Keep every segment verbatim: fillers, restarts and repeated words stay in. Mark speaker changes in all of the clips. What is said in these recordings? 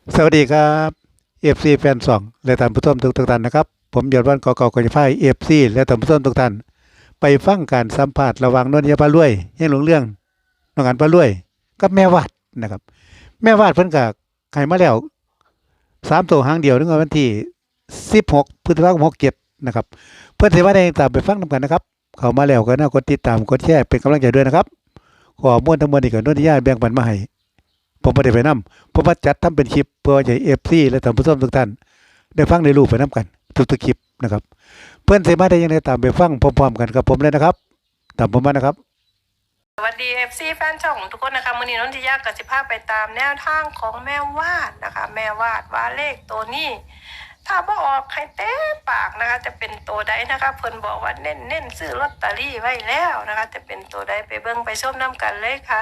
Speaker 1: สวัสดีครับเอฟซีแฟนสองและท่านผู้ชมทุกทุกท่านนะครับผมยอดวันกอกอกจะพายเอฟซีและท่านผู้ชมทุกท่านไปฟังการสัมภาษณ์ระหว่างนนทยาปาลุยยังหลงเรื่องน้องอันปาลุยกับแม่วาดนะครับแม่วาดเพิ่นก็ไขมาแล้วสามตัวหางเดียวนึงวันที่สิบหกพฤษภาคมหกเจ็ดนะครับเพื่อนเสวาได้ตามไปฟังนำกันนะครับเข้ามาแล้วก็น่ากดติดตามกดแชร์เป็นกำลังใจด้วยนะครับขอม้วนทั้งมวลนี่ก็นนทยาแบ่งปันมาให้ ผมไม่ได้ไปนำผมมาจัดทำเป็นคลิปเพื่อให้เอฟซีและท่านผู้ชมทุกท่านได้ฟังได้รู้ไปนํกันทุกๆคลิปนะครับเพื่อนสามารถได้ยังไงตามไปฟังพร้อมๆกันกับผมเลยนะครับตามผมมานะครับ
Speaker 2: สวัสดีเอฟซีแฟนช่องทุกคนนะคะมื้อนี้นนทิยากับสิภาไปตามแนวทางของแม่วาดนะคะแม่วาดว่าเลขตัวนี้ถ้าบ่ออกใครเต้ปากนะคะจะเป็นตัวใดนะคะเพิ่นบอกว่าเน้นเน้นซื้อลอตเตอรี่ไว้แล้วนะคะจะเป็นตัวใดไปเบิ่งไปชมน้ำกันเลยค่ะ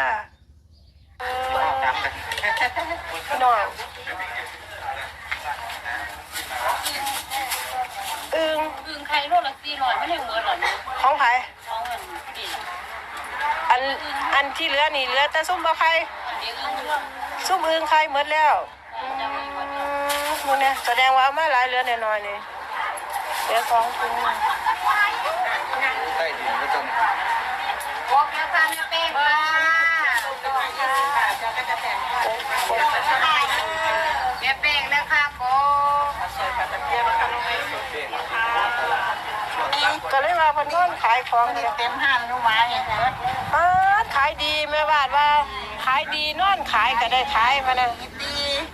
Speaker 2: พี่น้องอึง
Speaker 3: อึ่งไข่โลละสี่ร้อยไม่ได้เหมือนหรอก
Speaker 2: ของไผ
Speaker 3: ของเงินดี
Speaker 2: อันอันที่เหลือนี่เหลือแต่ซุ่มบ่ไข่
Speaker 3: อันนี้อึ่งเรื่อง
Speaker 2: ซุ่มอึงไข่หมดแล้ว
Speaker 3: จะมีวัน
Speaker 2: อืมมึงเนี่ยแสดงว่าเอามาหลายเหลือน้อยๆนี่เหลือสองถุง
Speaker 4: ใต้ดินก็ต้อง
Speaker 3: บอกแล้วค่ะแม่เป้ว่าแม่เป้งนะคะโก
Speaker 2: ก็เลยว่าเพิ่นนอนขายของเนี่ย
Speaker 3: เต็มห้างนุ่มไม้เนี่ย
Speaker 2: อ้าขายดีแม่บาดว่าขายดีนอนขายก็ได้ขายมานะ
Speaker 3: ดี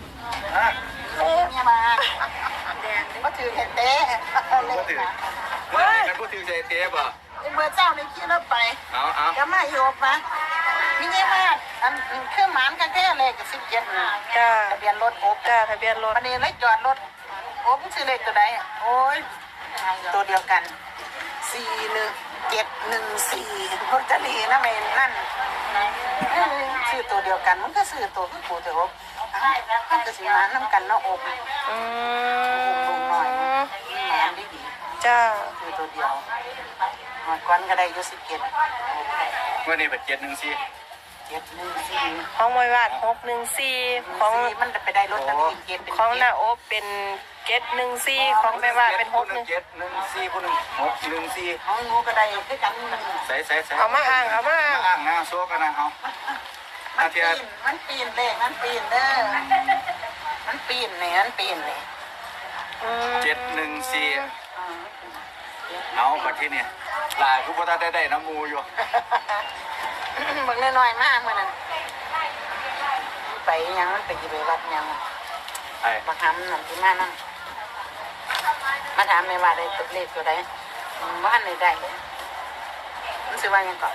Speaker 3: เนี่ยมาแดงก็ถือเห็ดเต้
Speaker 4: พูดถึงเมื่อไหร่กันพูดถึงใจเทปอ่ะ
Speaker 3: เมื่อเจ้าในขี้รถไป
Speaker 4: เอาเอา
Speaker 3: ก็มาโยบนะมีเงี้ยมากอันเครื่องหมานกันแค่เลยกับสิบเจ็ด
Speaker 2: จ้า
Speaker 3: ทะเบียนรถโอบ
Speaker 2: จ้าทะเบียนรถ
Speaker 3: วันนี้เลยจอดรถโอ้มันซื้อเลขตัวใดอ่ะโอ้ยตัวเดียวกันสี่หนึ่งเจ็ดหนึ่งสี่ลอตเตอรี่นะเมนนั่นซื้อตัวเดียวกันมันก็ซื้อตัวคือกูแต่ว่ามันก็สิมาน้ำกันเนาะอบ
Speaker 2: อื
Speaker 3: อบลงหน่อย
Speaker 2: ม
Speaker 3: แหมดีดี
Speaker 2: จ้า
Speaker 3: ซื้อตัวเดียวหมดก้อนก็ได้อยุสิบเจ็ด
Speaker 4: เมื่อนี้เป็นเจ็ดหนึ่งสี่
Speaker 3: เจ็ดหนึ่งสี่
Speaker 2: ของมวยวาดหกหนึ่งสี่ของ
Speaker 3: มันจะไปได้ลอตเตอรี่เจ็ดเป็น
Speaker 2: ของ
Speaker 3: เจ็
Speaker 2: น้า
Speaker 3: ด
Speaker 2: โอบเป็นเจ็ดหนึ่งสี่ของแม่วาดเป็นหกหนึ่ง
Speaker 4: เจ็ดหนึ่งสี่ผู้หนึ่งหกหนึ่งสี่
Speaker 3: ของงูก็ได้คือกัน
Speaker 4: ใส่ใส่ใส่
Speaker 2: เอามาอ่างเอามาอ่าง
Speaker 4: อ่างนะโซ่กันนะเอา
Speaker 3: มันปีนมันปีนเลขมันปีนเด้อมันปีนเนี่ยมันปีนเนี่ย
Speaker 2: อืม
Speaker 4: เจ็ดหนึ่งสี่เอาบัดที่นี่ลายผู้พ่อได้ได้น้ำมูอยู่
Speaker 3: มึงน้อยๆมากมันนั่นไปยังมันไปกี่ไปวัดยัง
Speaker 4: ไอ้
Speaker 3: มาทำนั่นที่มานั่งมาถามในว่าได้เลขตัวใดว่าในได้มันสิว่ายังก่อน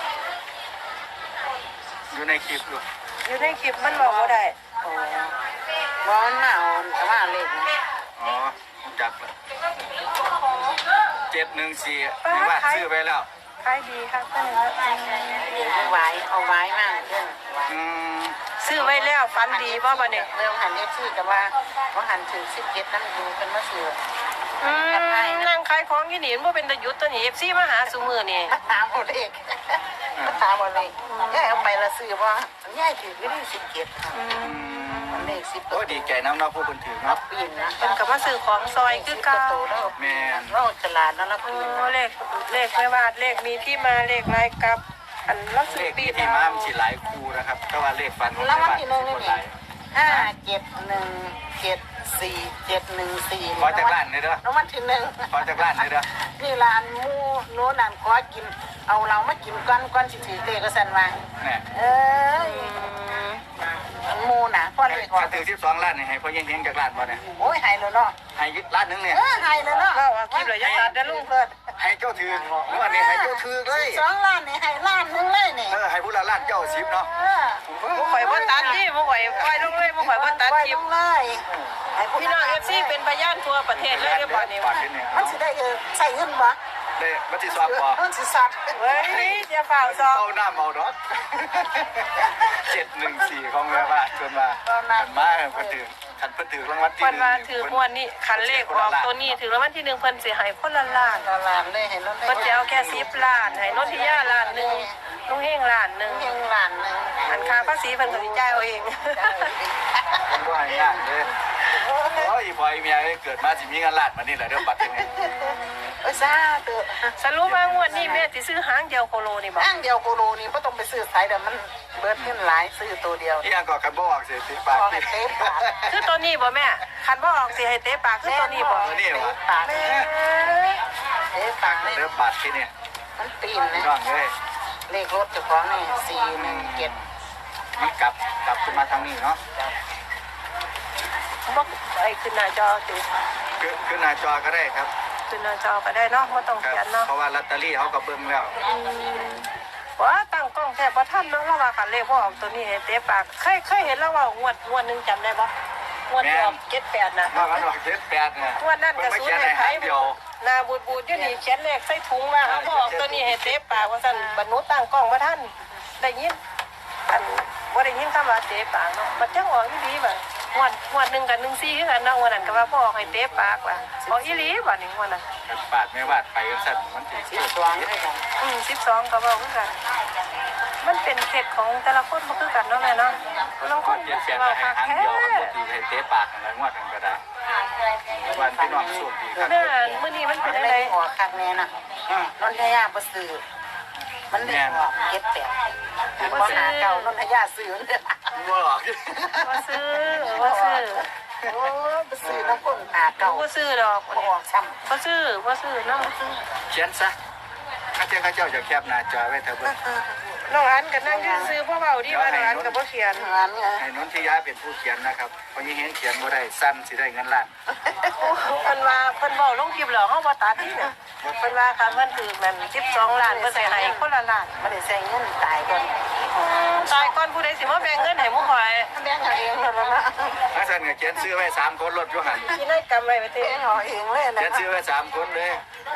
Speaker 4: อยู่ในคลิปอยู่
Speaker 2: อยู่ในคลิปมันบอกว่าได้
Speaker 3: โอ้บอลมาเอาแต่ว่าเลขนะ
Speaker 4: อ๋อจักเลยเจ็ดหนึ่งสี่นี่ว่าซื้อไปแล้ว
Speaker 2: ขายดีครับก็เลย
Speaker 3: เอาไว้เอาไว้มากเรื่อง
Speaker 4: อืม
Speaker 2: ซื้อไว้แล้วฟันดีป่ะบ้าเนี่ย
Speaker 3: เรื่องหันเอฟซีแต่ว่าเขาหันถึงสิบเจ็ดนั่นดูเป็นมาเสือ
Speaker 2: อืมนั่งขายของที่นี่มันเป็นตะยุทธ์ตัวนี้เอฟซีมาหาสูมือนี่
Speaker 3: มาถามเอาเลขมาถามเอาเลขย่ายเอาไปละซื้อว่าย่ายถือไม่ได้สิบเจ็ดเลขสิบ
Speaker 4: โอ้ดีใจน้ำเนาะผู้คนถือ
Speaker 3: นั
Speaker 4: เนาะ
Speaker 3: บปีนนะ
Speaker 2: เป็นกับมาซื้อของซอยคือเก่า
Speaker 3: โตแล้ว
Speaker 4: แม่น
Speaker 3: เราตลาดแล้วนับ
Speaker 2: โอ้
Speaker 3: ปีน
Speaker 2: เลขเลขไม่วาดเลขมีที่มาเลขลายกับ อันลัก
Speaker 4: เล
Speaker 2: ซื้อ
Speaker 4: ข
Speaker 2: ปี
Speaker 4: ที่
Speaker 2: แล้
Speaker 4: มาว มันสิหลายคู่นะครับแต่ว่าเลขฟันของ
Speaker 3: แล้ววัน
Speaker 4: บ้าน
Speaker 3: ที่หนึ่งนี่
Speaker 4: คนหลาย
Speaker 3: ห้าเจ็ดหนึ่งเจ็ดสี่เจ็ดหนึ่งสี่
Speaker 4: ขอจากร้านเลยเด้อ
Speaker 3: แล้ววันที่หนึ่ง
Speaker 4: ขอจากร้านเลยเด้อ
Speaker 3: นี่ร้านหมูโน้นร้านขอกิน เอาเรามากินก้อนก้อนสิถือเลขก็สันว่า
Speaker 4: เนี่ย
Speaker 3: เอ้ยหมูน่ะพ่อเลขก่อ
Speaker 4: ถ้าน ถึงสิบสองล้านนี่ให้พ่อเฮงๆจากร้านบ่เนี่ย
Speaker 3: โอ้ยหายเลยเนาะ
Speaker 4: ให้ยึดร้านหนึงเนี่ย
Speaker 3: เออหายเลยเนาะ
Speaker 2: เราเอาคลิปเลยยัดตัดได้ลุง
Speaker 3: เกิด
Speaker 4: ให้เจ้าถือเมื่อนี้ให้เจ้าถือเลย
Speaker 3: สองล้านนี่ให้ล้านหนึงเลยนี่
Speaker 4: เออให้ผู้ละล้านเจ้าสิบเนาะ
Speaker 3: เออ
Speaker 2: มุข่อยบ่ตัดที่มุข่อยปล่อยลงเลยมุข่อยบ่ตัด
Speaker 3: ไว้
Speaker 2: คลิ
Speaker 3: ล
Speaker 2: ป
Speaker 3: งเลยให้ผู้
Speaker 2: พี่น้องเอฟซีเป็นพยานทั่วประเทศเลยเรียบร้อยนี่
Speaker 4: บาทที่เนี่ย
Speaker 3: มันสิได้เออใส่เงินบ่
Speaker 4: ได้บัตรสอบบ่
Speaker 3: มันสิสัตว์
Speaker 2: เฮ้ยอย่าฝ่าซอ
Speaker 4: เอาหน้าเมาดอกเจ็ดหนึ่งสี่ของแม่บ้านจนมาขันมาเพิ่นถือขันเพิ่นถือรางวัลที่
Speaker 2: เพิ่นว่าถือมวนนี่คันเลขออกตัวนี้ถือรางวัลที่หนึ่งเพิ่นสิให้คนละล้าน
Speaker 3: ตลาดเลยเห็นรถ
Speaker 2: เพิ่นจะเอาแค่สิบล้านให้นนทิยาล้านหนึงลุงเฮงล้านหนึง
Speaker 3: ยังล้านหนึง
Speaker 2: อันค่าภาษีเพิ่นก็สิจ่ายเอาเอง
Speaker 4: เพิ่นบ่ให้พอยเมียเกิดมาสิมีเงินล้านมานี่แหละเรื่องบัตรนี่
Speaker 3: เอ้ยซาเตอะ
Speaker 2: สรุปว่างวดนี้แม่สิซื้อหางเดียวโคโลนี่บ่
Speaker 3: อ้างเดียวโกโลนี่บ่ต้องไปซื้อสายเดี๋ยวมันเบิดเงินหลายซื้อตัวเดียว
Speaker 4: ที่ยังก่อกันบ่ออกเสียติปาก
Speaker 3: พอให้เต๊ปาก
Speaker 2: คือตัวนี้บ่แม่คันบ่ออกสิให้เตะปากคือตัวนี้บ่
Speaker 4: ตัวนี้วะ
Speaker 3: ปาก
Speaker 2: แม่
Speaker 3: เต๊ปากเลย
Speaker 4: เรื่องบัตรที่นี่
Speaker 3: มันปีนนะ
Speaker 4: น้องเอ้ย
Speaker 3: เลขรถเจ้าของนี่สี่หนึ่งเจ็ด
Speaker 4: มันกลับกลับขึ้นมาทางนี้เนาะ
Speaker 2: บ่ไอ้ขึ้นหน้าจอสิ
Speaker 4: คือคือหน้าจอก็ได้ครับ
Speaker 2: ขึ้นหน้าจอก็ได้เนาะบ่ต้อง
Speaker 4: ครับ
Speaker 2: เขียนเนาะ
Speaker 4: เพราะว่าลอตเตอรี่เขาก็เบิ่งแล้ว
Speaker 2: อืมว่าตั้งกล้องแทบบ่ทันเนาะแล้วว่าคันเลขบ่ออกตัวนี้ให้เตะปากเคยเคยเห็นแล้วว่างวดงวดหนึงจำได้บ่งวดที่ออกเจ็ดแปดน่ะ
Speaker 4: ว่ามันออกเจ็ดแปดเนี่ย
Speaker 2: งวดนั้นก็
Speaker 4: ไม่
Speaker 2: ศูน
Speaker 4: เขียน
Speaker 2: ย์
Speaker 4: ใน
Speaker 2: ให้ไผ
Speaker 4: หางเดียว
Speaker 2: หน้าบูดๆอยู่นี่เขียนเลขใส่ถุงว่าเขาบ่ออกตัวนี้ให้เตะปากว่าซั่นบรรนุตั้งกล้องบ่ทันได้ยินอันบ่ได้ยินคำว่าเตะปากเนาะมันจังออกอีหลีบ่งวดงวดหนึงกับหนึ่งสี่คือกันเนาะงวดนั้นก็ว่าบ่ออกให้เตะปากว่าออกอีหลีบ่นี่งวดนั้น
Speaker 4: ปาดไม่วาดไปก็สั่นมันติด
Speaker 3: สิบสองด้วยกัน
Speaker 2: อืมสิบสองก็บอกคือกัน มันเป็นเคล็ดของแต่ละคนบ่คือกันเนาะแม่เนาะบางคน
Speaker 4: เจ็ดแปด
Speaker 2: ว่า
Speaker 4: ให้
Speaker 2: คัก
Speaker 4: หาง
Speaker 2: แท้
Speaker 4: เดียวมันปกติให้เตะปากอะไรงวดกันก็ได้วันพี่น้องสูบดีครับ
Speaker 2: แม่มื้อนี้มันเป็นจัง
Speaker 3: เล
Speaker 2: ได๋
Speaker 3: ขออกคักแน่น่ะนนทยาบ่ซื้อมันเลขออกเจ็ดแปดบ่หาเก่านนทยาซื้อเนี่ย
Speaker 4: งัวหรอก
Speaker 2: บ่ซื้อบ่ซื้อ
Speaker 3: โอ้บ่ซื้อน้ำคนหาเก่า
Speaker 2: บ่ซื้อดอก
Speaker 3: บ่ออกซ้ำ
Speaker 2: บ่ซื้อบ่ซื้อนำบ่ซื้อ
Speaker 4: เขียนซะข้าเจ้าข้าเจ้าจะแคบหน้าจอไว้เถอะเบิ่ง
Speaker 2: น้องอันก็นั่งอยู่ซื้อพ่อเว้าดีว่าน้องอันก็บ่เขียน
Speaker 3: งานไง
Speaker 4: ให้นนทิยาเป็นผู้เขียนนะครับเพราะยังเห็นเขียนบ่ได้สั้นสิได้เงินล้าน
Speaker 2: เพิ่นว่าเพิ่นเว้าลงคลิปแล้วเฮาบ่ตัดนี่น่ะเพิ่นว่าคันเพิ่นถูกนั่นสิบสองล้านเพิ่นสิให้คนละล้าน
Speaker 3: บ่ได้ใส่เงินตายก่อน
Speaker 2: ตายก่อนผู้ใดสิมาแบ่งเงินให้หมู่ข่อย
Speaker 3: แบ่งเอาเองแล้วนะ
Speaker 4: ถ้าสั้นก็เขียนซื้อไว้สามคนรถอยู่หัน
Speaker 2: สิได้กำไรไปเตะ
Speaker 3: แบ่งเอาเองเลยนะ
Speaker 4: เขียนซื้อไว้สามคนเลย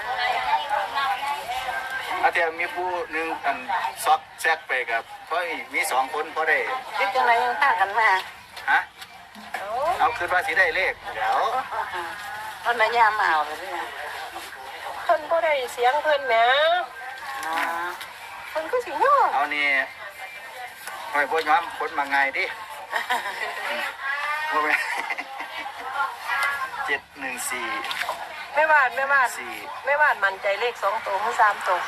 Speaker 4: อาเทียมีผู้หนึ่งอันซอกแซกไปกับเพราะอีกมีสองคนพอได้
Speaker 3: คิดจังไดยังพากันมา
Speaker 4: ฮะเอาคืนว่าสิได้เลขเดี๋ยว
Speaker 3: นนทยามาเอาเลยเนี่ย
Speaker 2: เพิ่นบ่ได้เสียงเพิ่นแหม
Speaker 3: อ๋อ
Speaker 2: เพิ่นก็สิย่อ
Speaker 4: เอานี่หอยพวกย้อมคนมาไงดิว่าไงเจ็ดหนึ่งสี่
Speaker 2: แม่บ้านแม่บ้าน
Speaker 4: สี่
Speaker 2: แม่บ้านมั่นใจเลขสองตัวหรือสามตัว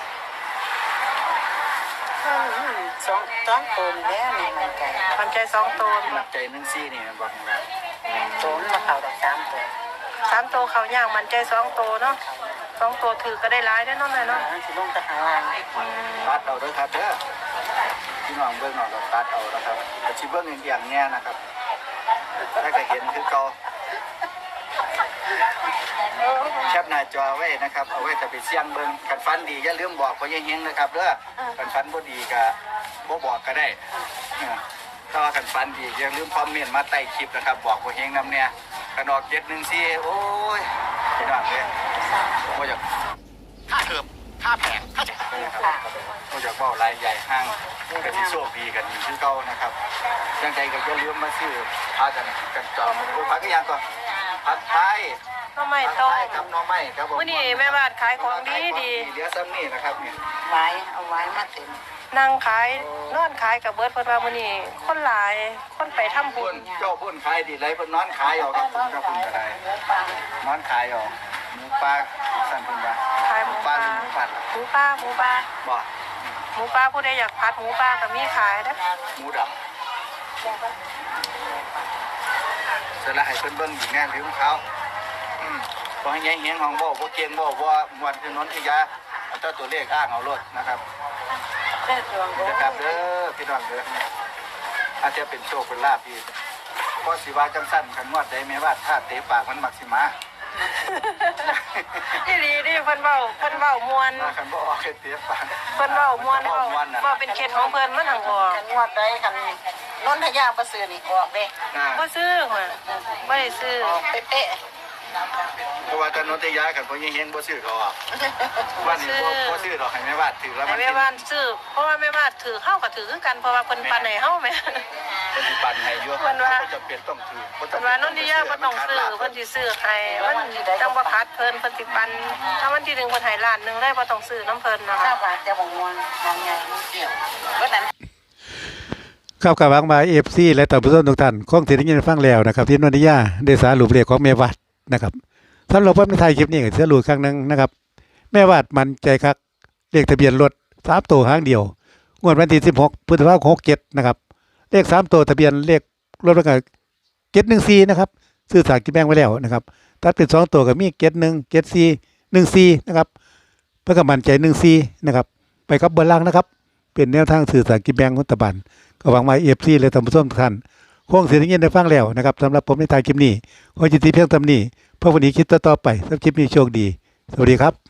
Speaker 3: อืมสองสองตัวนี่แหล้วนี่มันใจ
Speaker 2: มั่นใจสองตัว
Speaker 4: มันใจหนึ่งสี่นี่มันบอกว่า
Speaker 3: ตัวมันมาเข้าดอกสามตัว
Speaker 2: สามตัวเขาย่างมั่นใจสองตัวเนาะสองตัวถือก็ได้หลายได้อเนาะแม่เนาะ
Speaker 3: มันสิลงตะหางล่าง
Speaker 4: ตัดเอาด้วยครับเด้อพี่น้องเบิ้งหน่อยเราตัดเอานะครับแต่ชีเบิ้งอย่างอย่างเนี้ยนะครับถ้าก็เห็นคือเกาแคปหน้าจอไว้นะครับเอาไว้จะไปเสี่ยงเบิ้งกันฟันดีอย่าลืมบอกเขาเฮงๆนะครับเด้อกันฟันบ่ดีก็บ่บอกก็ได้ถ้าว่ากันฟันดีอย่าลืมคอมเมนต์มาใต้คลิปนะครับบอกเขาเฮงนำเนี่ยกันออกเจ็ดหนึ่งสี่โอ้ยพี่น้องเลยบ่อยาก
Speaker 5: ค่าเทอมค่าแผงค่าจ่าย
Speaker 4: นะครับก็อยากบอกรายใหญ่ห้างก็ที่โชคดีกันอยู่ที่เก่านะครับยังใจก็อย่าลืมมาซื้อพากันกันจอมโอ้พักก็ยังก่อนผัดไทย
Speaker 2: ทำไม
Speaker 4: ผัด
Speaker 2: ต้
Speaker 4: ไท
Speaker 2: อง
Speaker 4: ยกับหน้องไม้ครับผม
Speaker 2: มื้อนี้แม่บ้านขายของดีดี
Speaker 4: เหลือซ้ำนี่นะครับนี่
Speaker 3: ไว้เอาไว้มาเต็ม
Speaker 2: นั่งขายนอนขายกับเบิร์ดเพิ่นว่ามื้อนี้คนหลายคนไปทำบุ
Speaker 4: พุ่
Speaker 2: ญ
Speaker 4: นเจ้าพุ่นขายดีไรเพิ่นนอนขายเอาครับคุณครับคุณก็ได้
Speaker 3: เนื้อปลาน
Speaker 4: อนขายเอาหมูปลาสั่นเพิ่นว่า
Speaker 2: ขายหมูป
Speaker 4: ปลา
Speaker 2: ลา
Speaker 4: หรือหมูผัด
Speaker 2: หมูปลาหมูปลา
Speaker 4: บ่
Speaker 2: หมูปลาผู้ใดอยากผัดหมูปลาก็มีขายนะ
Speaker 4: หมูดำเสร็จแล้วให้เพิ่นเบิ่งอีกแน่ลืมเขาอืมพอให้แย่งเฮียงของบ่บ่เก่งบ่บ่มวนคือนนทิยาเอาแต่ตัวเลขอ้างเอารถนะครับ
Speaker 3: เลือดรวงโอ้
Speaker 4: นะครับเด้อพี่น้องเด้ออาจจะเป็นโชคเป็นลาภพี่เพราะสิว่าจังสั้นคันงวดใดแม้ว่าถ้าเตะปากมันมักสิมา
Speaker 2: อีหลีดิเพิ่นเว้าเพิ่นเว้าม่วน
Speaker 4: ว่าคันบ่ออกให้เตะปาก
Speaker 2: เพิ่นเว้าม่วนเว้าเว้าเป็นเคล็ดของเพิ่นมันหังออก
Speaker 3: กันงวดได้กันนนทยาประเสริฐนี่ออกเด้
Speaker 4: นะ
Speaker 2: บ่ซื้อมาบ่ได้ซื้อ
Speaker 3: ออกเป๊ะ
Speaker 4: เพราะว่าตอนนนทิยากันบ่ยังเฮงบ่ซื้อเขาอ่ะว่านี่บ่บ่ซื้อดอกให้แม่ว่าถือแล้ว
Speaker 2: ให้
Speaker 4: มัน
Speaker 2: แม่บ้านซื้อเพราะว่าแม่บ้านถือเฮาก็ถือคือกันเพราะว่าเพิ่นปันให้เฮาแม่
Speaker 4: ปฏิบัติให้อยู่
Speaker 2: เพิ่นว่า
Speaker 4: จะเป็นต้องถือ
Speaker 2: เพิ่นว่านนทิยาบ่ต้องซื้อเพิ่นสิซื้อให้มันจังบ่ขาดเพิ่นเพิ่นสิปันถ้าวันที่หนึ่งเพิ่นให้ล้านหนึงเลยบ่ต้องซื้อน้ำเพิ่นนะ
Speaker 3: ๆข้า
Speaker 2: คะ
Speaker 3: วบาทจะบ่ม่วนมองใหญ่มันเกี่ยวก็นั้น
Speaker 1: ครับกับหวังมาเอฟซีและต่านผู้ชมทุกท่านคงสิได้ยินฟังแล้วนะครับที่นนทิยาได้สารุปเลขของเมวัดนะครับสำหรับผมในไทยคลิปนี้ก็จะรู้ครั้งหนึงนะครับแม่วาดมันใจคักเลขทะเบียนรถสามตัวหางเดียวงวดวันที่สิบหกพฤษภาคมหกเจ็ดนะครับเลขสามตัวทะเบียนเลขรถมันก็เจ็ดหนึ่งสี่นะครับซื้อสลากกินแบ่งไว้แล้วนะครับถ้าเป็นสองตัวก็มีเจ็ดหนึ่งเจ็ดสี่หนึ่งสี่นะครับเพื่อกับมันใจหนึ่งสี่นะครับไปกับเบอร์ล่างนะครับเป็นแนวทางสื่อสารกินแบ่งของรัฐบาลก็หวังว่าเอฟซีและท่านผู้ชมทุกท่านคงเสียงยินได้ฟังแล้วนะครับสำหรับผมในทายคลิปนี้ขอจิตที่เพียงเท่านี้เพื่อวันนี้คิดต่อๆไปสำหรับคลิปนี้โชคดีสวัสดีครับ